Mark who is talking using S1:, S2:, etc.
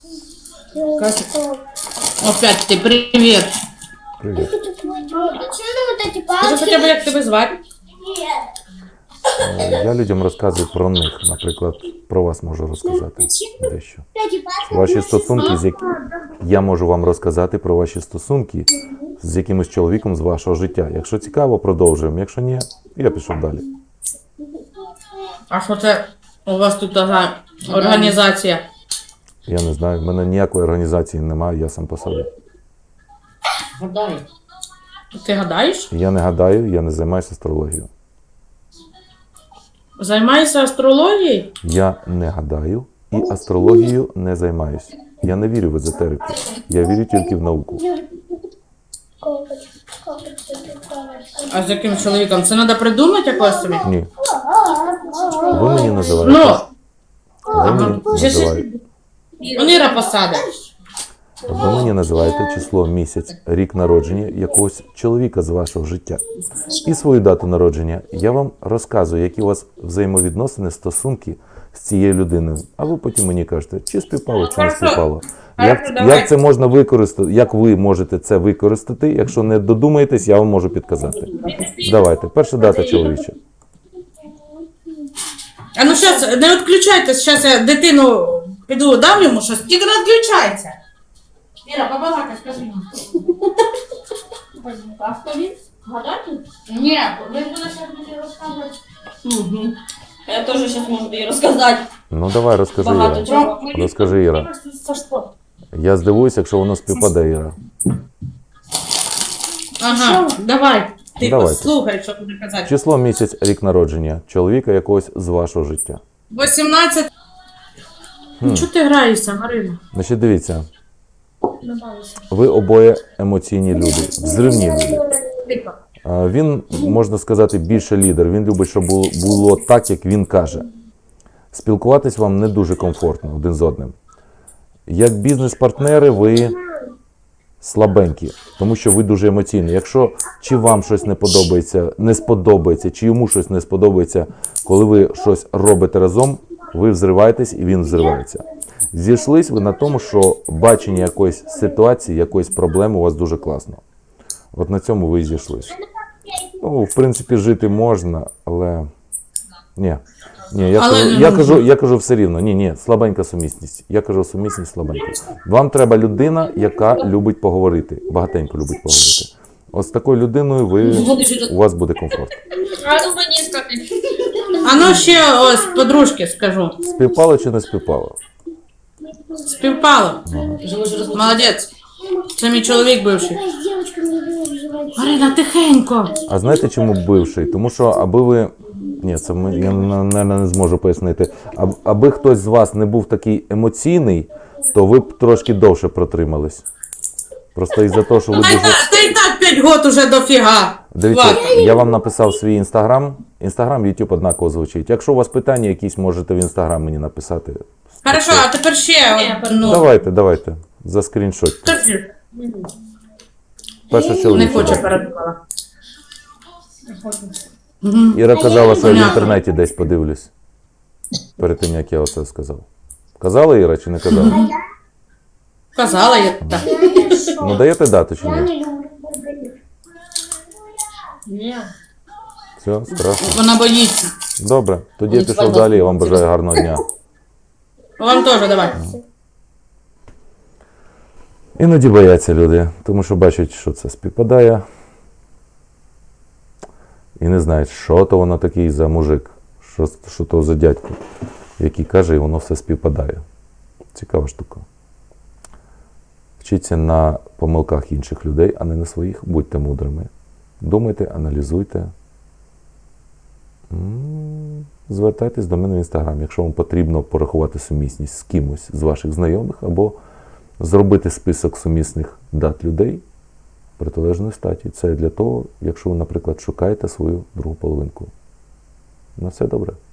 S1: Опять ты, привет.
S2: Привіт.
S1: Скажи хоча б, як тебе звати?
S2: Я людям розказую про них. Наприклад, про вас можу розказати дещо. Ваші стосунки, я можу вам розказати про ваші стосунки з якимось чоловіком з вашого життя. Якщо цікаво, продовжуємо. Якщо ні, я пішов далі.
S1: А що це у вас тут така організація?
S2: Я не знаю, в мене ніякої організації немає, я сам по собі.
S1: Гадаю. Ти гадаєш?
S2: Я не гадаю, я не займаюся астрологією.
S1: Займаєшся астрологією?
S2: Я не гадаю і астрологією не займаюся. Я не вірю в езотерику. Я вірю тільки в науку.
S1: А з яким чоловіком? Це треба придумати якось собі?
S2: Ні. Ви мені називаєте.
S1: Ну,
S2: Ви мені називаєте.
S1: Іра посаде.
S2: Ви мені називаєте число, місяць, рік народження якогось чоловіка з вашого життя. І свою дату народження. Я вам розказую, які у вас взаємовідносини, стосунки з цією людиною. А ви потім мені кажете, чи співпало, чи не співпало. Як це можна використати, як ви можете це використати, якщо не додумаєтесь, я вам можу підказати. Давайте, перша дата чоловіча.
S1: А ну зараз, не відключайтесь, зараз я дитину піду, дам йому щось, тільки не відключайся. Іра, побалакай, скажи йому.
S3: А хто він? Гадати?
S1: Ні, він буде зараз мені розказувати.
S3: Угу. Я теж зараз можу їй розказати.
S2: Ну давай, розкажи,
S3: Багато
S2: Іра.
S3: чого.
S2: Розкажи, Іра. Я здивуюся, якщо воно співпаде, Іра.
S1: Ага, давай. Ти
S2: Давайте.
S1: послухай, що буде казати.
S2: Число, місяць, рік народження чоловіка якогось з вашого життя.
S1: 18. Ну чого ти граєшся, Марина?
S2: Значить, дивіться. Ви обоє емоційні люди, взривні люди. Він, можна сказати, більше лідер. Він любить, щоб було так, як він каже. Спілкуватись вам не дуже комфортно один з одним. Як бізнес-партнери ви слабенькі, тому що ви дуже емоційні. Якщо чи вам щось не сподобається, чи йому щось не сподобається, коли ви щось робите разом, ви взриваєтесь і він взривається. Зійшлись ви на тому, що бачення якоїсь ситуації, якоїсь проблеми у вас дуже класно. От на цьому ви і зійшлись. Ну, в принципі, жити можна, але... Ні, я кажу все рівно. Ні, слабенька сумісність. Я кажу сумісність слабенька. Вам треба людина, яка любить поговорити. Багатенько любить поговорити. От з такою людиною у вас буде комфорт.
S1: А ну ще ось подружки скажу.
S2: Співпало чи не співпало?
S1: Співпало. Молодець. Це мій чоловік бивший. Марина, тихенько.
S2: А знаєте, чому бивший? Тому що аби ви... Ні, це я, мабуть, не зможу пояснити. Аби хтось з вас не був такий емоційний, то ви б трошки довше протримались. Просто із-за того, що ви дуже...
S1: Та й так 5 років уже дофіга.
S2: Дивіться, я вам написав свій інстаграм. Інстаграм, Ютуб однаково звучить. Якщо у вас питання якісь, можете в інстаграм мені написати.
S1: Хорошо, а тепер ще. Ну,
S2: Давайте. Заскріншотьте.
S1: скажи.
S2: Перша
S1: Не
S2: чоловіча.
S1: хоче передумала.
S2: Іра казала, що я в інтернеті десь подивлюсь. Перед тим, як я оце сказав. Казала Іра чи не казала?
S1: Казала я так.
S2: Ну даєте дату чи ні?
S3: Ні.
S2: Все, страшно.
S1: Вона боїться.
S2: Добре, тоді я пішов далі, я вам бажаю гарного дня.
S1: Вам теж давай.
S2: Іноді бояться люди, тому що бачать, що це співпадає. І не знають, що то воно такий за мужик, що то за дядько, який каже, і воно все співпадає. Цікава штука. Вчіться на помилках інших людей, а не на своїх. Будьте мудрими. Думайте, аналізуйте. Звертайтесь до мене в інстаграм, якщо вам потрібно порахувати сумісність з кимось з ваших знайомих, або зробити список сумісних дат людей протилежної статі. Це для того, якщо ви, наприклад, шукаєте свою другу половинку. На все добре.